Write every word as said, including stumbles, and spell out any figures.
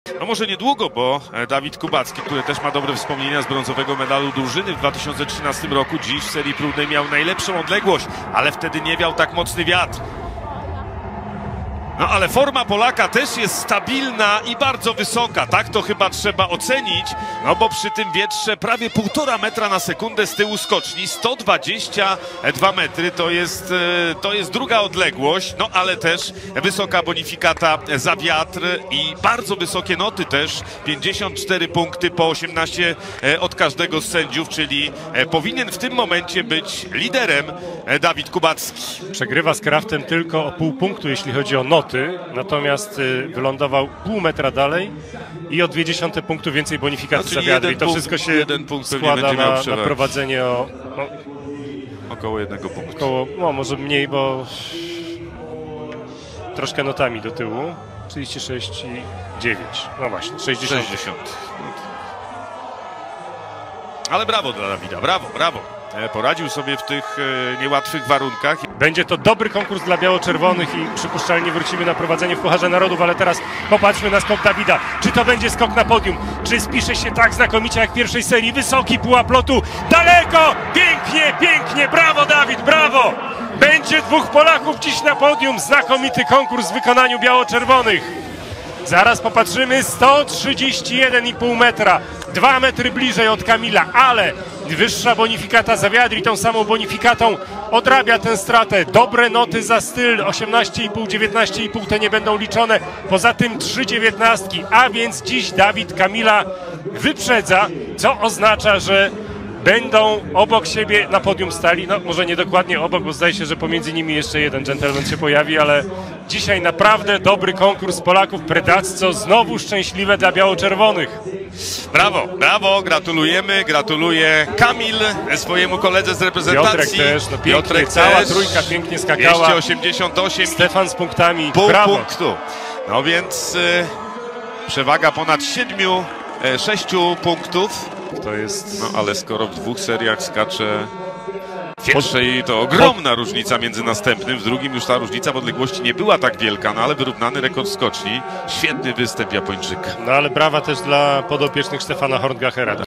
No może niedługo, bo Dawid Kubacki, który też ma dobre wspomnienia z brązowego medalu drużyny w dwa tysiące trzynastym roku, dziś w serii próbnej miał najlepszą odległość, ale wtedy nie wiał tak mocny wiatr. No ale forma Polaka też jest stabilna i bardzo wysoka, tak to chyba trzeba ocenić, no bo przy tym wietrze prawie półtora metra na sekundę z tyłu skoczni, sto dwadzieścia dwa metry, to jest, to jest druga odległość, no ale też wysoka bonifikata za wiatr i bardzo wysokie noty też, pięćdziesiąt cztery punkty po osiemnaście od każdego z sędziów, czyli powinien w tym momencie być liderem Dawid Kubacki. Przegrywa z Kraftem tylko o pół punktu, jeśli chodzi o noty. Natomiast y, wylądował pół metra dalej i o dwie dziesiąte punktu więcej bonifikacji no, za wiatr. I to punkt, wszystko się jeden punkt składa na, na prowadzenie o... No, około jednego punktu. Około, no może mniej, bo troszkę notami do tyłu. trzydzieści sześć i dziewięć. No właśnie, sześćdziesiąt. sześćdziesiąt. Ale brawo dla Dawida, brawo, brawo. Poradził sobie w tych niełatwych warunkach. Będzie to dobry konkurs dla biało-czerwonych i przypuszczalnie wrócimy na prowadzenie w Pucharze Narodów, ale teraz popatrzmy na skok Dawida. Czy to będzie skok na podium? Czy spisze się tak znakomicie jak w pierwszej serii? Wysoki pułap lotu, daleko! Pięknie, pięknie! Brawo Dawid, brawo! Będzie dwóch Polaków dziś na podium. Znakomity konkurs w wykonaniu biało-czerwonych. Zaraz popatrzymy, sto trzydzieści jeden i pół metra, dwa metry bliżej od Kamila, ale wyższa bonifikata za wiatr i tą samą bonifikatą odrabia tę stratę. Dobre noty za styl, osiemnaście i pół, dziewiętnaście i pół, te nie będą liczone, poza tym trzy dziewiętnastki, a więc dziś Dawid Kamila wyprzedza, co oznacza, że będą obok siebie na podium stali, no może nie dokładnie obok, bo zdaje się, że pomiędzy nimi jeszcze jeden dżentelmen się pojawi, ale dzisiaj naprawdę dobry konkurs Polaków. Predacco znowu szczęśliwe dla biało-czerwonych. Brawo, brawo, gratulujemy, gratuluję Kamil swojemu koledze z reprezentacji. Piotrek też, no pięknie, Piotrek cała też, trójka pięknie skakała. dwieście osiemdziesiąt osiem. Stefan z punktami, pół brawo. punktu. No więc y, przewaga ponad siedmiu, y, sześciu punktów. To jest... No ale skoro w dwóch seriach skacze w pierwszej, to ogromna różnica między następnym, w drugim już ta różnica w odległości nie była tak wielka, no ale wyrównany rekord skoczni. Świetny występ Japończyka. No ale brawa też dla podopiecznych Stefana Horngachera.